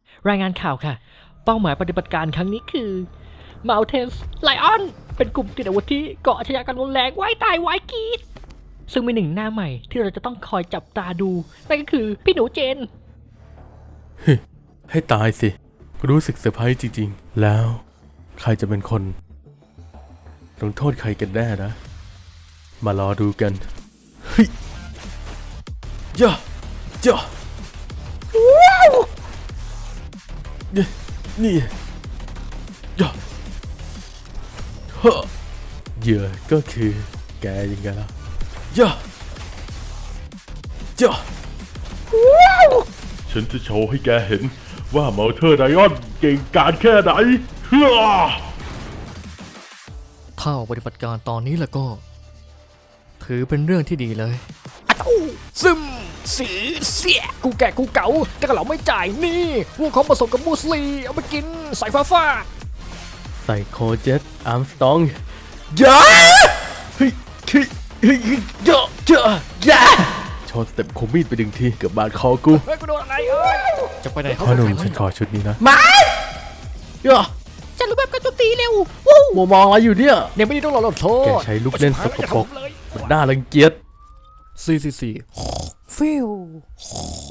รายงานข่าวค่ะเป้าหมายปฏิบัติการครั้งนี้คือ Mountains Lion เป็นกลุ่มติดอาวุธที่เกาะอาชญากรรมรุนแรงว่ายตายว่ายกรีดซึ่งมีหนึ่งหน้าใหม่ที่เราจะต้องคอยจับตาดูนั่นก็คือพี่หนูเจนให้ตายสิรู้สึกเซอร์ไพรส์จริงๆแล้วใครจะเป็นคนลงโทษใครกันแน่นะ มารอดูกันเฮ้ยย่าย่านี่ย่าเฮ้อเหยื่อก็คือแกยังไงล่ะย่าย่าฉันจะโชว์ให้แกเห็นว่าเมาเธอร์ไดออนเก่งกาจแค่ไหนเฮ้อถ้าออกปฏิบัติการตอนนี้แล้วก็ ถือเป็นเรื่องที่ดีเลยซึมสีเสียกูแก่กูเก๋าแต่ก็เราไม่จ่ายนี่พวกเขาผสมกับมูสลีเอาไปกินใส่ฟ้าไซโคเจ็ตอาร์มสตองยาเฮ้ยเฮ้ยเฮ้ยยาย่าโชว์สเต็ปคมมีดไปดึงทีเกือบบาดคอกูเฮ้ยกูโดนอะไรเอ้ยจะไปไหนพ่อหนุ่มฉันขอชุดนี้นะย่าจะรู้แบบกระจุตีเร็วมัวมองอะไรอยู่เนี่ยเนี่ยไม่ได้ต้องรอโทษแกใช้ลูกเล่นสกปรกมันน่ารังเกียจ 444 ฟิว